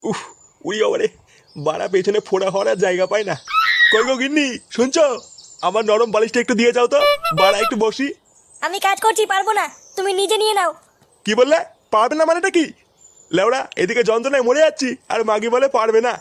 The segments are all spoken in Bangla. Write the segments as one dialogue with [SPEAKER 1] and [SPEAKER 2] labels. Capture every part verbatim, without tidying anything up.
[SPEAKER 1] উফ, উড়ি বাবারে, বাড়া পেছনে ফোড়া হওয়ার আর জায়গা পায় না। কই গো গিন্নি, শুনছো? আমার নরম বালিশটা একটু দিয়ে যাও তো, বাড়া একটু বসি।
[SPEAKER 2] আমি কাজ করছি, পারবো না, তুমি নিজে নিয়ে নাও।
[SPEAKER 1] কি বললে? পারবে না মানেটা কি? লেওড়া, এদিকে যন্ত্রণায় মরে যাচ্ছি আর মাগি বলে পারবে না।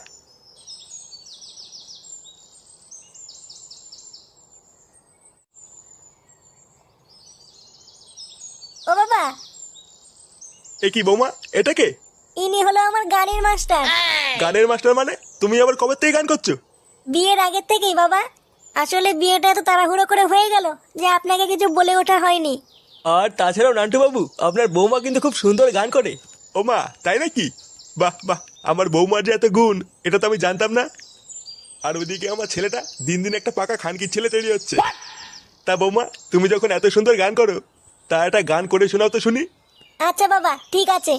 [SPEAKER 2] ও বাবা,
[SPEAKER 1] এ কি বৌমা, এটা কে?
[SPEAKER 2] ইনি হলো আমার গানের মাস্টার।
[SPEAKER 1] গানের মাস্টার মানে? তুমি আবার কবে থেকে গান করছো?
[SPEAKER 2] বিয়ের আগের থেকেই বাবা। আসলে বিয়েটা এত তাড়াহুড়ো করে হয়ে গেল যে আপনাকে কিছু বলে ওঠা হয়নি।
[SPEAKER 3] আর তাছাড়াও নান্টু বাবু, আপনার বৌমা কিন্তু খুব সুন্দর গান করে।
[SPEAKER 1] ও মা, তাই নাকি? বাহ বাহ, আমার বৌমার যে এত গুণ, এটা তো আমি জানতাম না। আর ওইদিকে আমার ছেলেটা দিন দিন একটা পাকা খানকির ছেলে তৈরি হচ্ছে। তা বৌমা, তুমি যখন এত সুন্দর গান করো, তা একটা গান করে শোনাও তো শুনি।
[SPEAKER 2] আচ্ছা বাবা, ঠিক আছে।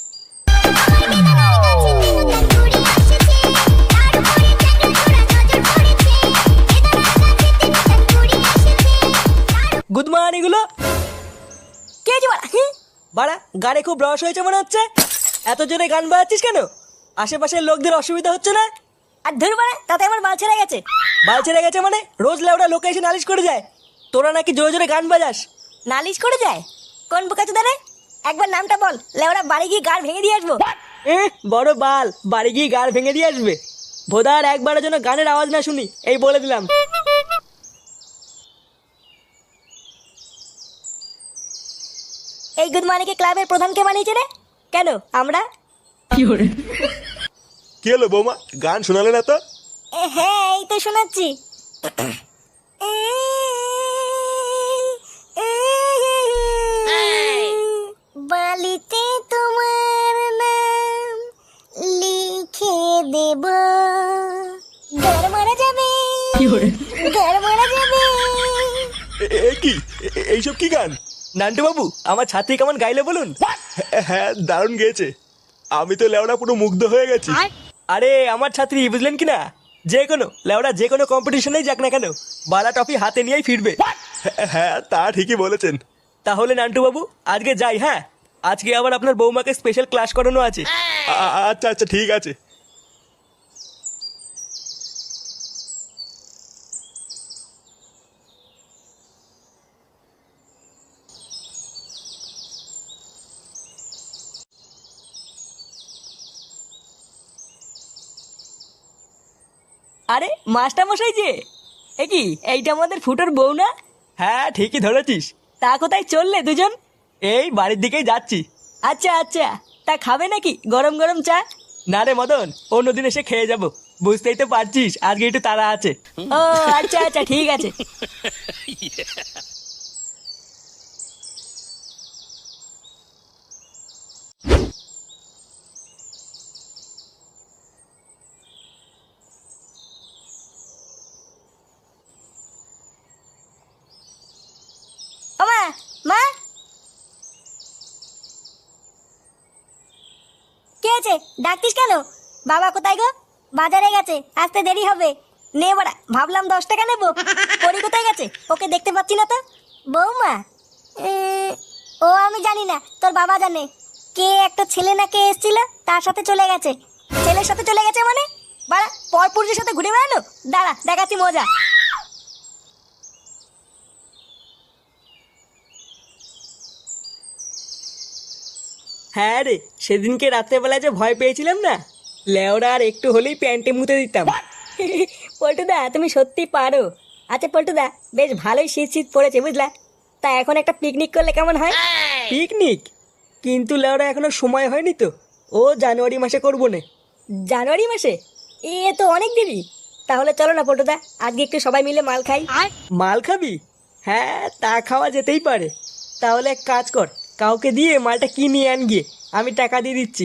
[SPEAKER 3] গুড মর্নিং গুলো।
[SPEAKER 2] কে যে বাড়া? হুঁ?
[SPEAKER 3] বাড়া, গানে খুব রস হয়েছে মনে হচ্ছে। এত জোরে গান বাজাচ্ছিস কেন? আশেপাশের লোকদের অসুবিধা হচ্ছে না?
[SPEAKER 2] আর ধর বাড়া, তাতে আমার বাল ছেড়ে গেছে।
[SPEAKER 3] বাল ছেড়ে গেছে মানে? রোজ লেওড়া লোকে এসে নালিশ করে যায় তোরা নাকি জোরে জোরে গান বাজাস।
[SPEAKER 2] নালিশ করে যায়? কোন বোকাচোদা রে? একবার নামটা বল, লেওড়া বাড়ি গিয়ে গাড় ভেঙে দিয়ে আসবো।
[SPEAKER 3] এ বড় বাল, বাড়ি গিয়ে গাড় ভেঙে দিয়ে আসবে? ভোদার একবারের জন্য গানের আওয়াজ না শুনি, এই বলে দিলাম।
[SPEAKER 2] এই গুড মর্নিং ক্লাবের প্রধানকে বানিয়েছে রে? কেন আমরা?
[SPEAKER 1] কি হলো বৌমা, গান শোনালে না তো?
[SPEAKER 2] এ, হ্যাঁ এই তো শোনাচ্ছি। বালিতে তোমার নাম লিখে দেব, ঘর মারা যাবে, ঘর মারা যাবে।
[SPEAKER 1] এ- এ কি, এ- এ- এইসব কি গান?
[SPEAKER 3] নান্টু বাবু, আমার ছাত্রী কেমন গাইলে বলুন।
[SPEAKER 1] হ্যাঁ, হ্যাঁ, দারুণ গেয়েছে। আমি তো লেওড়া পুরো মুগ্ধ হয়ে গেছি।
[SPEAKER 3] আরে আমার ছাত্রী, বুঝলেন কি না? যে কোনো লেওড়া যে কোনো কম্পিটিশনেই যাক না কেন, বালা টফি হাতে নিয়েই ফিরবে।
[SPEAKER 1] হ্যাঁ, হ্যাঁ, তা ঠিকই বলেছেন।
[SPEAKER 3] তাহলে নান্টু বাবু, আজকে যাই। হ্যাঁ, আজকে আবার আপনার বৌমাকে স্পেশাল ক্লাস করানো আছে।
[SPEAKER 1] আ- আচ্ছা আচ্ছা, ঠিক আছে।
[SPEAKER 3] আরে মাস্টার মশাই যে, এ কি, এইটা আমাদের ফুটোর বউ না? হ্যাঁ ঠিকই ধরেছিস। তা কোথায় চললে দুজন? এই বাড়ির দিকেই যাচ্ছি। আচ্ছা আচ্ছা, তা খাবে নাকি গরম গরম চা? না রে মদন, অন্যদিন এসে খেয়ে যাব। বুঝতেই তো পারছিস আজকে একটু তাড়া আছে।
[SPEAKER 2] ও আচ্ছা আচ্ছা, ঠিক আছে। ও মা, মা, কে আছে? ডাকতিস কেন? বাবা কোথায় গো? বাজারে গেছে, আসতে দেরি হবে। নে বড়া, ভাবলাম দশ টাকা নেবো। পরি কোথায় গেছে? ওকে দেখতে পাচ্ছি না তো। বৌমা? উম, ও আমি জানি না, তোর বাবা জানে। কে একটা ছেলে না কে এসেছিল, তার সাথে চলে গেছে। ছেলের সাথে চলে গেছে মানে? বাড়া, পরপুরুষের সাথে ঘুরে বেড়ানো? দাঁড়া, দেখাচ্ছি মজা।
[SPEAKER 3] হ্যাঁ রে, সেদিনকে রাত্রেবেলা যে ভয় পেয়েছিলাম না, লেওরা আর একটু হলেই প্যান্টে মুতে দিতাম।
[SPEAKER 2] পল্টুদা, তুমি সত্যি পারো। আচ্ছা পল্টুদা, বেশ ভালোই শীত শীত পড়েছে বুঝলা। তা এখন একটা পিকনিক করলে কেমন হয়?
[SPEAKER 3] পিকনিক? কিন্তু লেওরা এখনো সময় হয়নি তো। ও জানুয়ারি মাসে করবো না।
[SPEAKER 2] জানুয়ারি মাসে? এ তো অনেক দেরি। তাহলে চলো না পল্টুদা, আজকে একটু সবাই মিলে মাল খাই।
[SPEAKER 3] মাল খাবি? হ্যাঁ, তা খাওয়া যেতেই পারে। তাহলে এক কাজ কর, কাউকে দিয়ে মালটা কিনে আন গিয়ে, আমি টাকা দিয়ে দিচ্ছি।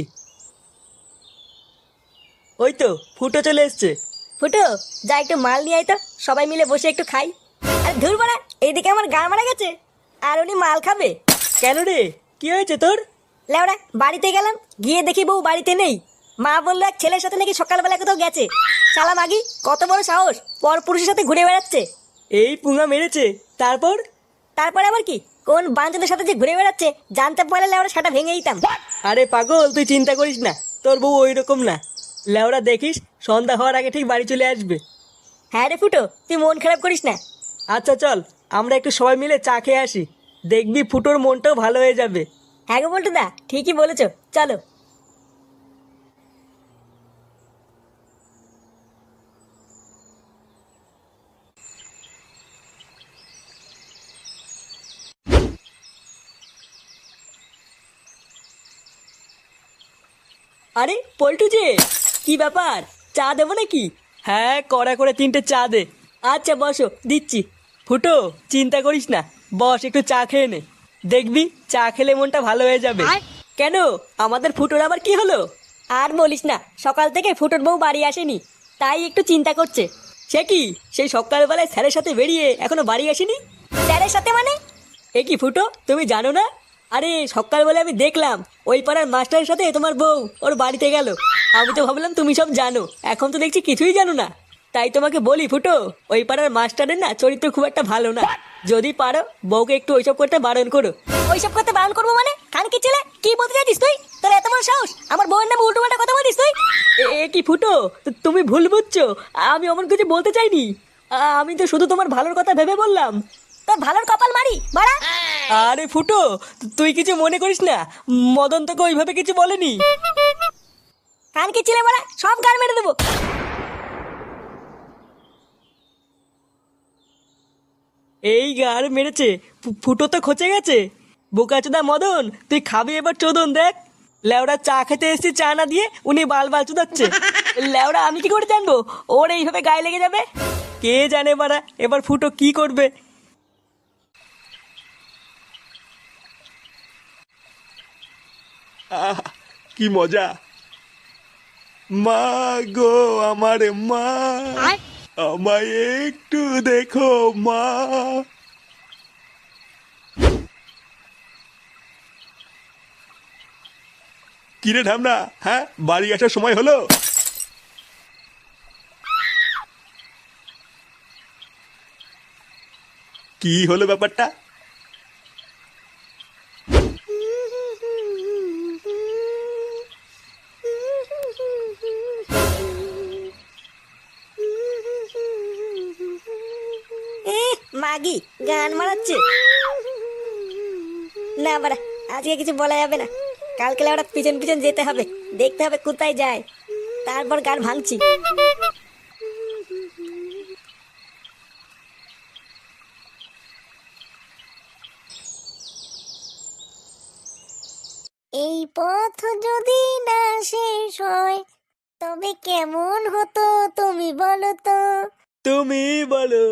[SPEAKER 3] ওই তো ফুটো চলে এসছে।
[SPEAKER 2] ফুটো, যা একটু মাল নিয়ে আয় তো, সবাই মিলে বসে একটু খাই। আর ধুর বাড়া, এইদিকে আমার গা মারা গেছে, আর উনি মাল খাবে।
[SPEAKER 3] কেন রে, কি হয়েছে তোর?
[SPEAKER 2] লেওড়া, বাড়িতে গেলাম, গিয়ে দেখি বউ বাড়িতে নেই। মা বললো এক ছেলের সাথে নাকি সকালবেলা কোথাও গেছে। শালা মাগি, কত বড় সাহস, পর পুরুষের সাথে ঘুরে বেড়াচ্ছে।
[SPEAKER 3] এই পুঙা মেরেছে? তারপর?
[SPEAKER 2] তারপরে আবার কি, কোন বাঞ্চদের সাথে যে ঘুরে বেড়াচ্ছে জানতে পারলে লেওড়া সেটা ভেঙে দিতাম।
[SPEAKER 3] আরে পাগল, তুই চিন্তা করিস না, তোর বউ ওই রকম না। লেওরা দেখিস সন্ধ্যা হওয়ার আগে ঠিক বাড়ি চলে আসবে।
[SPEAKER 2] হ্যাঁ রে ফুটো, তুই মন খারাপ করিস না।
[SPEAKER 3] আচ্ছা চল আমরা একটু সবাই মিলে চা খেয়ে আসি, দেখবি ফুটোর মনটাও ভালো হয়ে যাবে।
[SPEAKER 2] হ্যাঁ গো বলটু দা, ঠিকই বলেছো, চলো।
[SPEAKER 3] আরে পল্টু যে, কি ব্যাপার, চা দেবো নাকি? হ্যাঁ কড়া করে তিনটে চা দে। আচ্ছা বসো, দিচ্ছি। ফুটো চিন্তা করিস না, বস একটু চা খেয়ে নে, দেখবি চা খেলে মনটা ভালো হয়ে যাবে। কেন, আমাদের ফুটোর আবার কি হলো?
[SPEAKER 2] আর বলিস না, সকাল থেকে ফুটোর বউ বাড়ি আসেনি, তাই একটু চিন্তা করছে।
[SPEAKER 3] সে কি, সেই সকালবেলায় স্যারের সাথে বেরিয়ে এখনো বাড়ি আসেনি?
[SPEAKER 2] স্যারের সাথে মানে?
[SPEAKER 3] এ কি ফুটো, তুমি জানো না? আরে সকালবেলা আমি দেখলাম ওই পাড়ার মাস্টারের সাথে তোমার বউ ওর বাড়িতে গেল। আমি তো ভাবলাম তুমি সব জানো, এখন তো দেখছি কিছুই জানো না। তাই তোমাকে বলি ফুটো, ওই পাড়ার মাস্টারের না চরিত্র খুব একটা ভালো না। যদি পারো বউকে একটু ওইসব করতে বারণ করো।
[SPEAKER 2] ওইসব করতে বারণ করবো মানে? খান কি ছেলে, কি বলতে চাইছিস তুই? তোর এত বড় সাহস, আমার বউয়ের নামে উল্টো পাল্টা কথা বলিস তুই?
[SPEAKER 3] এ এ কি ফুটো, তু- তুমি ভুল বুঝছো, আমি অমন কিছু বলতে চাইনি। আ- আমি তো শুধু তোমার ভালোর কথা ভেবে বললাম।
[SPEAKER 2] তোর ভালোর কপাল মারি বাড়া।
[SPEAKER 3] আরে ফুটো, তুই কিছু মনে করিস না, মদন তোকে ওইভাবে কিছু বলেনি।
[SPEAKER 2] খান কি ছেলে বাড়া, সব গান মেরে দেবো।
[SPEAKER 3] এই গার মেরেছে, ফু- ফুটো তো খচে গেছে। বোকাচোদা মদন, তুই খাবি এবার চোদন দেখ। লেওড়া চা খেতে এসেছি, চা না দিয়ে উনি বাল বাল চুদাচ্ছে। লেওড়া আমি কি করে জানবো ওর এইভাবে গায়ে লেগে যাবে? কে জানে বাড়া এবার ফুটো কি করবে।
[SPEAKER 1] আহ কি মজা। মা গো আমার মা, আমায় একটু দেখো মা। কিরে ঢামনা, হ্যাঁ বাড়ি আসার সময় হলো? কি হলো ব্যাপারটা?
[SPEAKER 2] এ, মাগি গান মারাচ্ছে না বাড়া, আজকে কিছু বলা যাবে না। কালকে ওরা পিছন পিছন যেতে হবে, দেখতে হবে কোথায় যায়, তারপর গান ভাঙছি। এই পথ যদি না শেষ হয়, তবে কেমন হতো তুমি বলো তো?
[SPEAKER 3] তুমি বলো।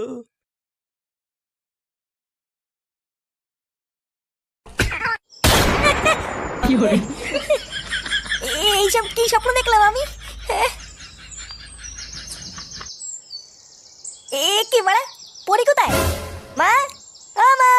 [SPEAKER 2] এইসব কি স্বপ্ন দেখলাম আমি? এ কি বাড়া, পরি কোথায়? মা, ও মা,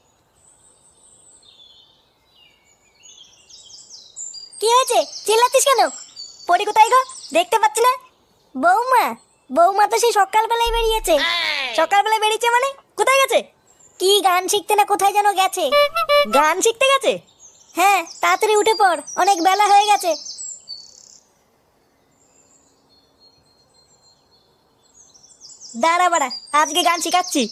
[SPEAKER 2] কি হয়েছে, চিল্লাচ্ছিস কেন? পরি কোথায় গো, দেখতে পাচ্ছি না। বৌমা, বৌমা তো সেই সকালবেলায় বেরিয়েছে। সকালবেলায় বেরিয়েছে মানে কোথায় গেছে? কি গান শিখতে না কোথায় যেন গেছে। গান শিখতে গেছে? হ্যাঁ, তাড়াতাড়ি উঠে পড়, অনেক বেলা হয়ে গেছে। দাঁড়া বাড়া, আজকে গান শিখাচ্ছি।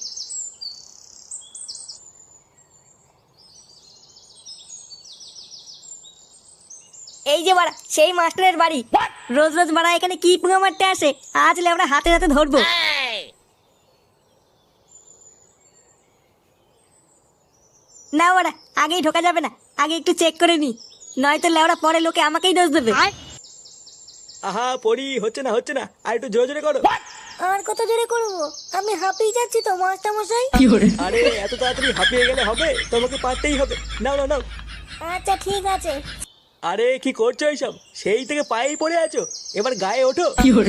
[SPEAKER 2] এই যে বাড়া সেই মাস্টারের বাড়ি। রোজ রোজ বাড়া এখানে কি পুঙা মারতে আসে, আজ আমরা হাতে হাতে ধরবো। না বাড়া, আগেই ঢোকা যাবে না, আগে একটু চেক করে নি, নয়তো লেওড়া পরে লোকে আমাকেই দোষ দেবে।
[SPEAKER 3] আহা পড়ি, হচ্ছে না হচ্ছে না, আর একটু জোরে জোরে করো।
[SPEAKER 2] আর কত জোরে করবো, আমি হাঁপিয়ে যাচ্ছি তো মাস্টার মশাই।
[SPEAKER 3] আরে এত তাড়াতাড়ি হাঁপিয়ে গেলে হবে, তোমাকে পারতেই হবে। নাও নাও নাও।
[SPEAKER 2] আচ্ছা ঠিক আছে।
[SPEAKER 3] আরে কি করছো এইসব, সেই থেকে পায়েই পড়ে আছো, এবার গায়ে ওঠো।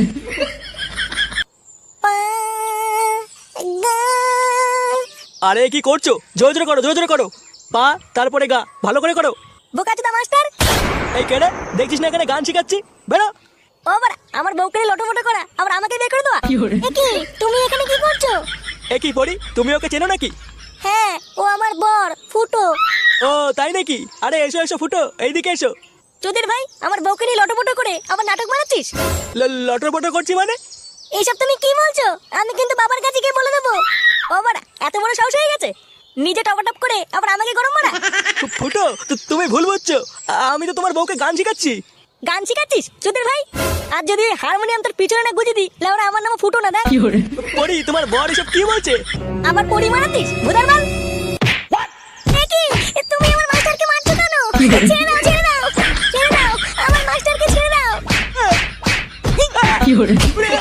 [SPEAKER 2] পা, গা।
[SPEAKER 3] আরে কি করছো, জোরে জোরে করো, জোরে জোরে করো। পা তারপরে গা, ভালো করে করো।
[SPEAKER 2] বোকাচোদা মাস্টার।
[SPEAKER 3] এই কেডে, দেখছিস না এখানে গান শিখাচ্ছি, বেরো।
[SPEAKER 2] ও বাড়া, আমার বউকে লটোমটো করা, আবার আমাকে বের করে দেওয়া। এ কি, তুমি এখানে কি করছো?
[SPEAKER 3] এ কি পড়ি, তুমি ওকে চেনো নাকি?
[SPEAKER 2] হ্যাঁ, ও আমার বর ফুটো।
[SPEAKER 3] ও তাই নাকি? আরে এসো এসো ফুটো, এইদিকে এসো।
[SPEAKER 2] চোদের ভাই আমার বউকে নিয়ে লটোপটো করে আবার নাটক মারাচ্ছিস?
[SPEAKER 3] লটর বটর করছি মানে?
[SPEAKER 2] এইসব তুমি কি বলছো? আমি কিন্তু বাবার কাছে গিয়ে বলে দেবো। ও বাড়া, এত বড় সাহস হয়ে গেছে নিজে টপাটপ করে আবার আমাকে গরম মারা।
[SPEAKER 3] ফু- ফুটো তু- তুমি ভুল বুঝছো। আমি তো তোমার বউকে গান শিখাচ্ছি।
[SPEAKER 2] গান শিখাচ্ছিস চোদের ভাই? আর যদি ওই হারমোনিয়াম তোর পিছনে না গুজে দিই, লেওরা আমার নাম ফুটো না দেখ।
[SPEAKER 3] পরি তোমার বর এসব কি বলছে?
[SPEAKER 2] আবার পরি মারাতিস ভুদার বাল। এ কি? এ তুমি আমার মাস্টারকে মারছো কেন? ছেড়ে দাও, ছেড়ে দাও, ছেড়ে দাও, আমার মাস্টারকে ছেড়ে দাও।